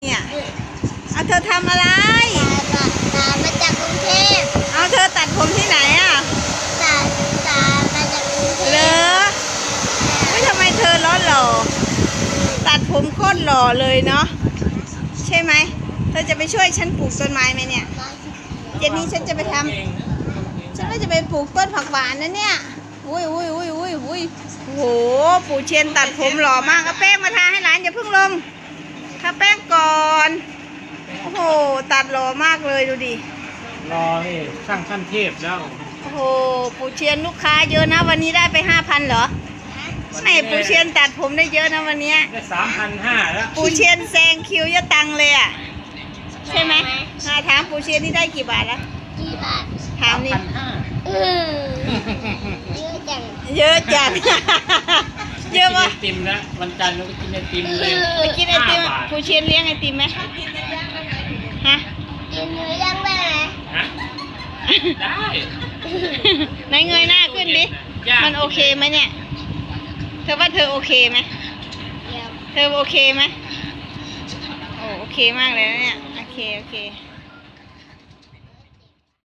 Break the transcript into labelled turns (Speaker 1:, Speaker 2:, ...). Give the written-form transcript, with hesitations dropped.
Speaker 1: เนี่ยเอาเธอทำอะไร
Speaker 2: ตามาจากกรุงเทพ
Speaker 1: เอาเธอตัดผมที่ไหนอ่ะ
Speaker 2: ตามาจากกรุงเทพ
Speaker 1: เหรอไม่ทำไมเธอล้อหล่อตัดผมโคตรหล่อเลยเนาะใช่ไหมเธอจะไปช่วยฉันปลูกต้นไม้ไหมเนี่ยเย็นนี้ฉันจะไปทำฉันก็จะไปปลูกต้นผักหวานนะเนี่ยอุ้ยโหปู่เชียนตัดผมหล่อมากเอาแป้งมาทาให้หลานอย่าเพิ่งลงทาแป้งก่อนโอ้โหตัดหล่อมากเลยดูดิ
Speaker 3: รอนี่ช่างขั้นเทพแล้ว
Speaker 1: โอ้โหปู่เชียนลูกค้าเยอะนะวันนี้ได้ไป 5,000เหรอไม่ปู่เชียนตัดผมได้เยอะนะวันนี้
Speaker 3: ได้3,500แล้ว
Speaker 1: ปู่เชียนแซงคิวยะตังเลยอ่ะใช่ไหมถามปู่เชียนนี่ได้กี่บาทแล้ว
Speaker 2: กี่บาท
Speaker 1: ถามนี่
Speaker 2: เยอะจัง
Speaker 1: เยอะจังเยอะวะ
Speaker 3: ไอติมนะวันจันทร์เราก็กินไอติมเลย
Speaker 1: ไปกินไอติมปู่เชียนเลี้ยงไอติมไหมฮะ
Speaker 2: กินเนื้อย่างได้ไหม
Speaker 3: ได้
Speaker 1: ไหนเงยหน้าขึ้นดิมันโอเคไหมเนี่ยเธอว่าเธอโอเคไหมเธอโอเคไหมโอ้โอเคมากเลยนะเนี่ยโอเค